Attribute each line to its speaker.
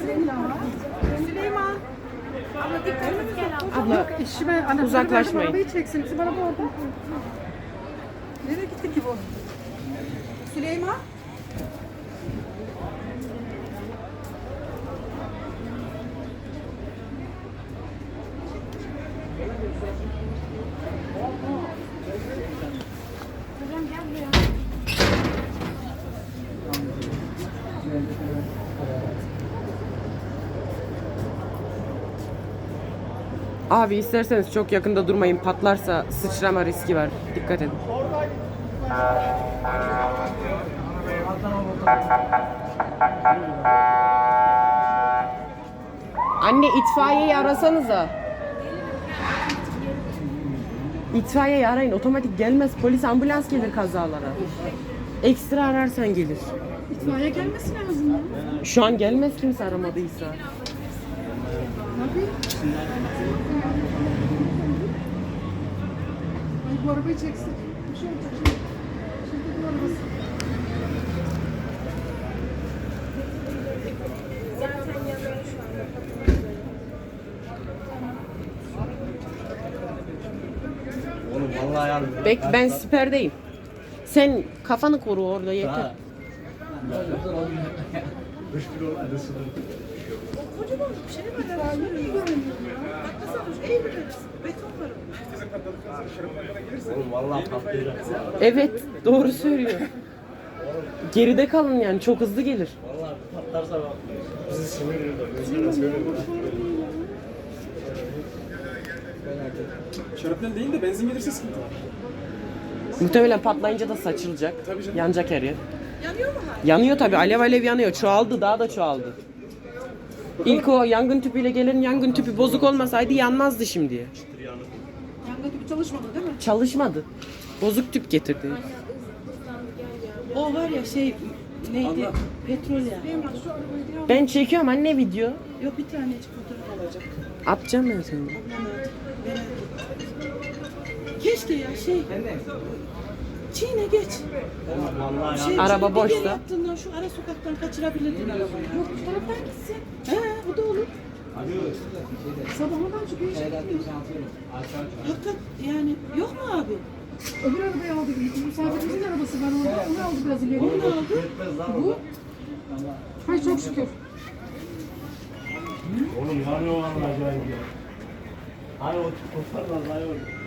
Speaker 1: Süleyman. Abla dikkat et.
Speaker 2: Abla
Speaker 1: İşime
Speaker 2: uzaklaşmayın.
Speaker 1: Arabayı çeksin. Bizim araba orada. Nereye gitti ki bu? Süleyman. Hocam gel buraya.
Speaker 2: Abi isterseniz çok yakında durmayın. Patlarsa sıçrama riski var. Dikkat edin. Anne itfaiyeyi arasanıza. İtfaiyeyi arayın. Otomatik gelmez. Polis ambulans gelir kazalara. Ekstra ararsan gelir.
Speaker 1: İtfaiye gelmesi lazım ya.
Speaker 2: Şu an gelmez kimse aramadıysa.
Speaker 1: Tabii. Ay bu arabayı çeksin. Bir şey olacak şimdi. Şimdi bu arabası.
Speaker 3: Oğlum vallahi yani.
Speaker 2: Ben siperdeyim. Sen kafanı koru orada yeter.
Speaker 3: Ha. 3 kilo var sınır.
Speaker 1: Kocaman bir şey var. İtfaiye mi görünüyor ya? Bakmasana şu ev beton var.
Speaker 3: Oğlum vallahi patlayacak.
Speaker 2: Evet, doğru söylüyor. Geride kalın yani çok hızlı gelir.
Speaker 3: Vallahi patlarsa bak. Bizi sinirliyor da. Mesela söylüyorum.
Speaker 4: Şarapnel değil de benzin gelirse sıkıntı var.
Speaker 2: Muhtemelen patlayınca da saçılacak.
Speaker 4: Tabii canım.
Speaker 2: Yanacak her yer.
Speaker 1: Yanıyor mu hala?
Speaker 2: Yanıyor tabii, alev alev yanıyor. Çoğaldı, daha da çoğaldı. İlk o yangın tüpüyle gelen yangın tüpü bozuk olmasaydı yanmazdı şimdiye.
Speaker 1: Yangın tüpü çalışmadı değil mi?
Speaker 2: Çalışmadı. Bozuk tüp getirdi.
Speaker 5: O var ya şey neydi? Petrol ya.
Speaker 1: Süleyman şu arabayı bir al.
Speaker 2: Ben çekiyorum anne video.
Speaker 5: Yok bir tanecik fotoğraf alacak.
Speaker 2: Atacağım ben seni.
Speaker 5: Ablam aldı. Merak ettim. Keşke ya şey. Çiğne geç.
Speaker 3: Oğlum vallahi
Speaker 5: Şey,
Speaker 3: ya.
Speaker 2: Araba
Speaker 5: şöyle bir
Speaker 2: boşsa.
Speaker 5: yere yaptığından şu ara sokaktan kaçırabilirdin arabayı.
Speaker 1: Yok bu taraftan gitsin.
Speaker 5: He o da olur.
Speaker 1: Sabahından çıkıyor işte gidiyor.
Speaker 5: Hakikat yani yok mu abi?
Speaker 1: Öbür arabayı aldı. Misafirimizin arabası var orada. Onu aldı biraz ileri.
Speaker 5: Onu da aldı.
Speaker 3: Yetmez lan
Speaker 1: Bu.
Speaker 3: bu.
Speaker 1: Hay çok şükür.
Speaker 3: Oğlum yanıyor vallahi acayip ya. Hayır o toparlar hayır.